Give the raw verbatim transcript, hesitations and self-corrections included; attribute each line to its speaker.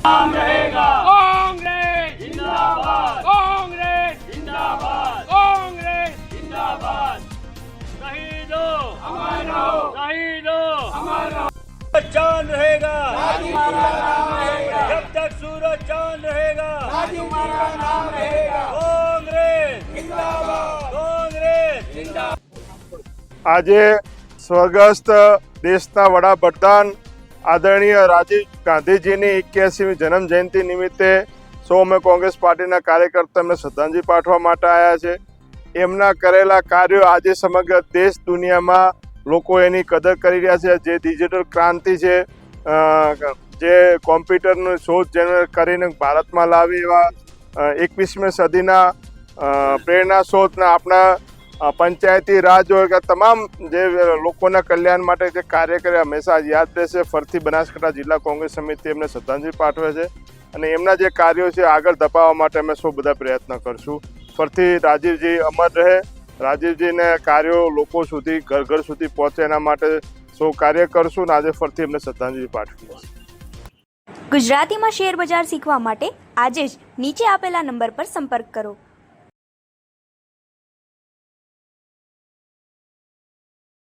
Speaker 1: नाम रहेगा। कांग्रेस जिंदाबाद, कांग्रेस जिंदाबाद, कांग्रेस जिंदाबाद। शहीदों अमर रहो, शहीदों अमर रहो। चांद रहेगा, राजू हमारा नाम रहेगा। जब तक सूरज चांद रहेगा, राजू हमारा नाम रहेगा। कांग्रेस जिंदाबाद, कांग्रेस जिंदाबाद।
Speaker 2: આજે સ્વર્ગસ્થ દેશના વડાપ્રધાન આદરણીય રાજીવ ગાંધીજીની એક્યાસીમી જન્મ જયંતિ નિમિત્તે સૌ અમે કોંગ્રેસ પાર્ટીના કાર્યકર્તા એમને શ્રદ્ધાંજલિ પાઠવવા માટે આવ્યા છે. એમના કરેલા કાર્યો આજે સમગ્ર દેશ દુનિયામાં લોકો એની કદર કરી રહ્યા છે. જે ડિજિટલ ક્રાંતિ છે, જે કોમ્પ્યુટરની શોધ જેને કરીને ભારતમાં લાવી એવા એકવીસમી સદીના પ્રેરણા શોધના આપણા પંચાયતી રાજ હોય કે તમામ જે લોકોના કલ્યાણ માટે જે કાર્ય કરે હંમેશા યાદ રહેશે. ફરીથી બનાસકાંઠા જિલ્લા કોંગ્રેસ સમિતિ એમને શ્રદ્ધાંજલિ પાઠવે છે અને એમના જે કાર્યો છે આગળ ધપાવવા માટે અમે સૌ બધા પ્રયત્ન કરશું. ફરીથી રાજીવજી અમર રહે. રાજીવજીને કાર્યો લોકો સુધી ઘર ઘર સુધી પહોંચે એના માટે સૌ કાર્ય કરશું અને આજે ફરીથી એમને શ્રદ્ધાંજલિ પાઠવી.
Speaker 3: ગુજરાતીમાં શેર બજાર શીખવા માટે આજે જ નીચે આપેલા નંબર પર સંપર્ક કરો.